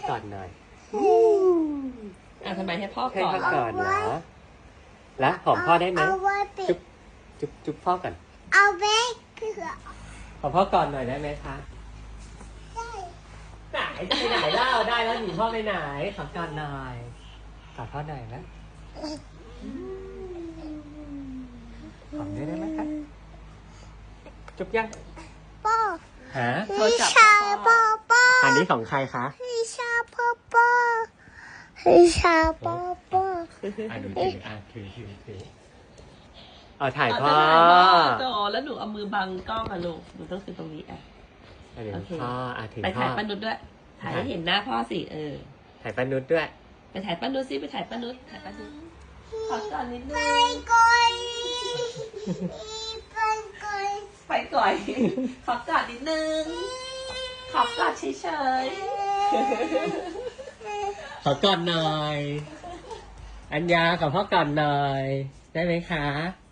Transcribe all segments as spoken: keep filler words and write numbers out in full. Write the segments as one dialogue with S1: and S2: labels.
S1: กอดหน่อย
S2: อ่ะทำไมให้พ่อ
S1: ให้
S2: ก่อน
S1: พ่อกอดเหรอแล้วหอมพ่อได้ไหมจุ๊บจุ๊บจุ๊บพ่อก่อน
S3: เอาไว้
S1: หอมพ่อกอดหน่อยได้ไหมคะไหนไปไหนเล่าได้แล้วหนีพ่อไปไหนขอกอดหน่อยกอดพ่อหน่อยนะหอมได้ไหมคะจุ๊บยัง
S3: พ่อ
S1: ฮะ
S3: พี่ชายพ่อพ่อ
S1: อันนี้ของใครคะ
S3: พี่ชายพ่อพ่อพี่ชายพ่อพ่อ
S1: อ่ะดูถืออ่ะถือถือถือเอาถ่ายพ่อ
S2: โตแล้วหนูเอามือบังกล้องอ่ะลูกหนูต้องถือตรงนี้อ่ะ
S1: โอเคพ่ออ่ะถือ
S2: ไปถ่ายป้านุชด้วยถ่ายให้เห็นหน้าพ่อสิเออ
S1: ถ่ายป้านุชด้วย
S2: ไปถ่ายป้านุชสิไปถ่ายป้านุชถ่ายป้านุชขอก่อนนิดนึงไป
S3: ก่อนไปก่อน
S2: ไปก่อนขอก่อนนิดนึงขอก่อนเฉย
S1: ๆขอก่อนหน่อยอัญญาขอพ่อก่อนหน่อยได้ไหมคะ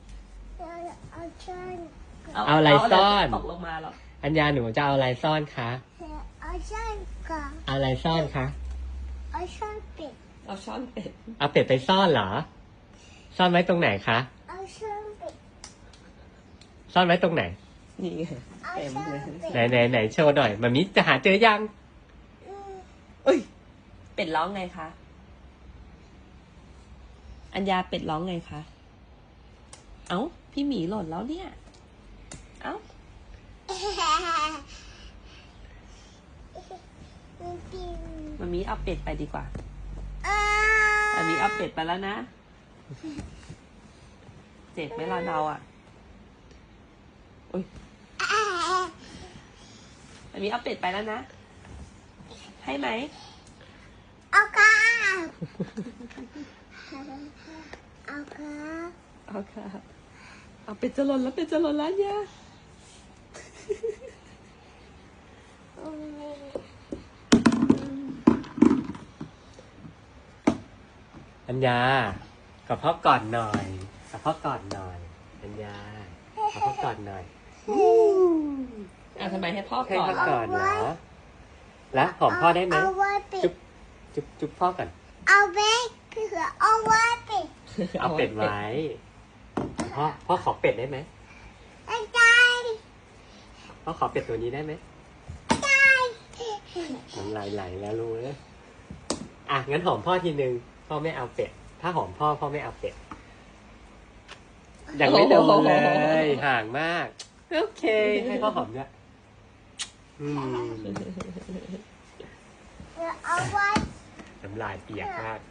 S1: เอาอะไรซ่อน
S2: ตกลงมาหรอ
S1: อัญญาหนูจะเอาอะไรซ่อนคะ
S3: เอาช่อนก่อน
S1: เอาอะไรซ่อนคะ
S3: เอาช่อนเป็ด
S2: เอาช่อนเป็ด
S1: เอาเป็ดไปซ่อนเหรอซ่อนไว้ตรงไหนคะ
S3: เอาช่อนเป็ด
S1: ซ่อนไว้ตรงไหน
S2: นี่ไงเต็มเลย
S1: ไหนไหนไหนโชว์หน่อยมามิจะหาเจอยัง
S2: เอ้ยเป็ดร้องไงคะอัญญาเป็ดร้องไงคะเอ้าพี่หมีหล่นแล้วเนี่ยเอ้ามันมีเอาเป็ดไปดีกว่ามันมีเอาเป็ดไปแล้วนะเจ็บไหมล่ะเราอ่ะอุ้ยมันมีเอาเป็ดไปแล้วนะให้ไหม
S3: เอาค่ะเอาค่ะ
S2: เอาค่ะเอาเป็ดจะหล่นแล้วเป็ดจะหล่นแล้วเนี่ย
S1: อัญญากับพ่อกอดหน่อยกับพ่อกอดหน่อยอัญญากับพ่อกอดหน่อย
S2: อ่ะทำไมให้พ่อ
S1: ให้
S2: ก่อน
S1: พ่อกอดเหรอแล้วหอมพ่อได้ไหมจุ๊บจุ๊บจุ๊บพ่อก่อน
S3: เอาไว้คือเอาไว้เป็ด
S1: เอาเป็ดไว้พ่อพ่อขอเป็ดได้ไหม
S3: ได้
S1: พ่อขอเป็ดตัวนี้ได้ไหม
S3: ได้
S1: น้ำลายไหลแล้วรู้เลยอ่ะงั้นหอมพ่อทีนึงพ่อไม่เอาเป็ดถ้าหอมพ่อพ่อไม่เอาเป็ดยังไม่โดนเลยห่างมากโอเคให้พ่อหอมด้วยอืม
S3: เอาไว้
S1: น้ำลายเปียกมาก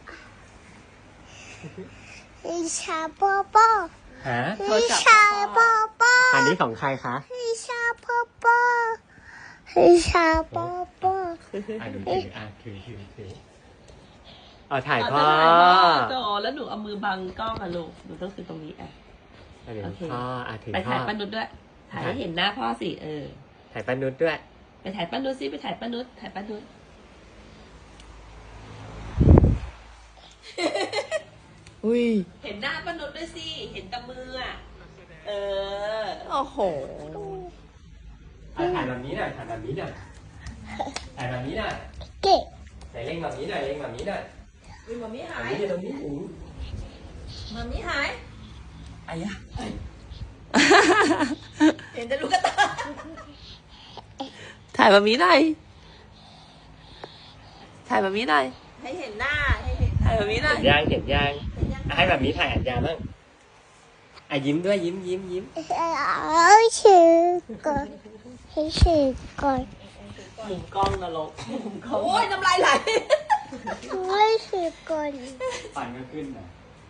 S3: พี่ชายพ่อพ่อ
S1: ฮะ
S3: พี่ชายพ่อพ่อ
S1: อันนี้ของใครคะ
S3: พี่ชายพ่อพ่อพี่ชายพ่อพ่อ
S1: อ่ะดูถืออ่ะถือถือถือเอาถ่ายพ่อ
S2: โตแล้วหนูเอามือบังกล้องอ่ะลูกหนูต้องถือตรงนี้อ่ะ
S1: โอเคพ่ออ่ะถือ
S2: ไปถ่ายป้านุชด้วยถ่ายให้เห็นหน้าพ่อสิเออ
S1: ถ่ายป้านุชด้วย
S2: ไปถ่ายป้านุชสิไปถ่ายป้านุชถ่ายป้านุชอุ้ยเห็นหน้าป้านุชด้วยสิเห็นตะมืออ่ะเออโอ้โห
S1: ถ่ายแบบนี้หน่อยถ่ายแบบนี้หน่อยถ่ายแบบนี้หน่อย
S3: เก๋
S1: ไหนเล่งแบบนี้หน่อยเล่งแบบนี้หน่อย
S2: อุ้ยมามิหาย
S1: ตรงนี้หู
S2: มามิหายไอ้ยะเห็นแต่ลูกกระตาถ่ายมามิหน่อยถ่ายมามิหน่อยให้เห็นหน้าให้เห็นถ่ายมามิหน่อย
S1: เห็นยางเห็นยางให้แบบนี้ถ่ายอัญญาบ้างอ่ะยิ้มด้วยยิ้มยิ้มยิ้ม
S3: เอาชื่อก่อนให้ชื่อก่อน
S2: มุมกล้องนรกมุมกล้องโอ้ยน้ำลายไหล
S3: ให้ชื่อก่อน
S1: ฟันก็ขึ้นนะ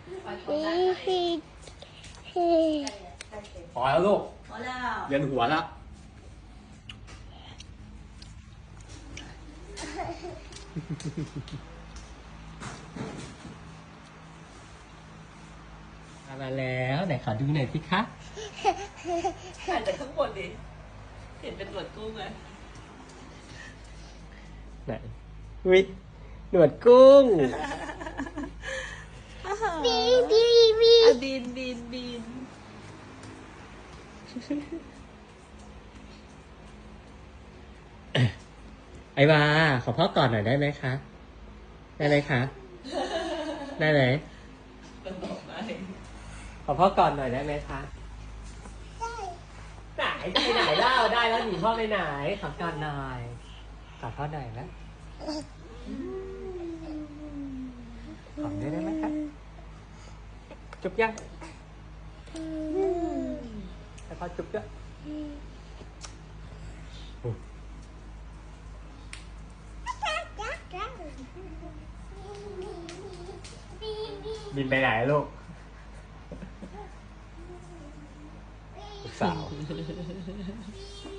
S1: พอแล้วลูก
S2: พอแล้ว
S1: เวียนหัวแล้วมาแล้วไหนขอดูหน่อยสิคะ
S2: ถ่ายจากข้างบนดิเห็นเป็นหนวดกุ้งไหม
S1: ไหนวิหนวดกุ้ง
S3: บีบีบี
S2: บินบินบิน
S1: ไอวาขอพ่อกอดหน่อยได้ไหมคะ ได้ไหมคะ ได้ไหมขอพ่อกอดหน่อยได้ไหมคะไหนไปไหนเล่าได้แล้วหนีพ่อไปไหนขอกอดหน่อยกอดพ่อหน่อยนะหอมได้ไหมคะจุ๊บยังให้พ่อจุ๊บด้วยบินไปไหนลูกลูกสาว